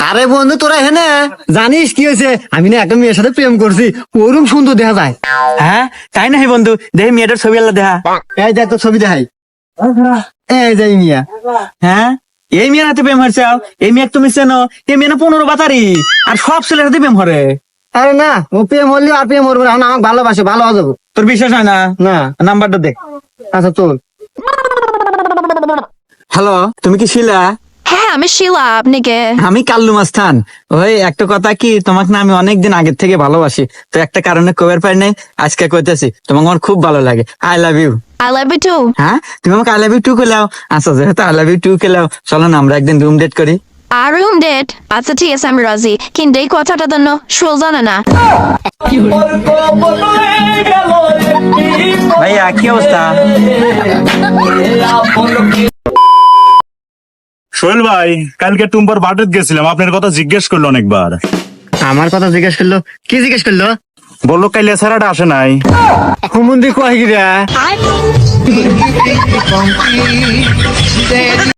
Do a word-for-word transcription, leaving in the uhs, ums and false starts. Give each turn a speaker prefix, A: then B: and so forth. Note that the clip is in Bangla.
A: আরে বন্ধু তোরা হেনে জানিস কি হয়েছে? আমি না একটা মেয়ের সাথে প্রেম করছি, ওরকম সুন্দর দেখা যায়।
B: হ্যাঁ তাই না বন্ধু, দেখি মেয়েটার ছবি আল্লাহ দেখা।
A: এই দেখ তো ছবি দেখাই, এই যাই মিয়া।
B: হ্যাঁ এই মেয়ের হাতে প্রেম হয়েছে, এই মেয়ে তুমি চেনো? এই মেয়ে না পনেরো বাতারি, আর সব ছেলের হাতে প্রেম হরে।
A: আরে না, ও প্রেম হলে আর প্রেম করবো, এখন আমাকে ভালোবাসে, ভালো হয়ে যাবো।
B: তোর বিশ্বাস হয় না?
A: না।
B: নাম্বারটা দে।
A: আচ্ছা চল।
B: হ্যালো, তুমি কি শিলা?
C: হ্যাঁ আমি শিলা, আপনি কে?
B: আমি কাল্লু মাস্তান। ওই একটা কথা কি, তোমাকে না আমি অনেকদিন আগের থেকে ভালোবাসি, তো একটা কারণে কবের পাই নাই, আজকে কইতেছি তোমাকে আমার খুব ভালো লাগে। I love you.
C: I love you too.
B: হ্যাঁ তুমি আমাকে আই লাভ ইউ টু খেলাও। আচ্ছা যেহেতু আই লাভ ইউ টু খেলাও, চলো না আমরা একদিন রুম ডেট করি।
C: আর রুম ডেট? আচ্ছা ঠিক আছে, আমি রাজি, কিন্তু এই কথাটা তো শুল জানে না।
B: ভাইয়া কি অবস্থা?
D: সোহেল ভাই, কালকে টুম্পার বাটেত গেছিলাম, আপনার কথা জিজ্ঞেস করলো অনেকবার।
A: আমার কথা জিজ্ঞেস করলো? কি জিজ্ঞেস করলো?
D: বললো কাইলে ছাড়াটা আসে নাই।
A: হুমুন্দি কয় গিরা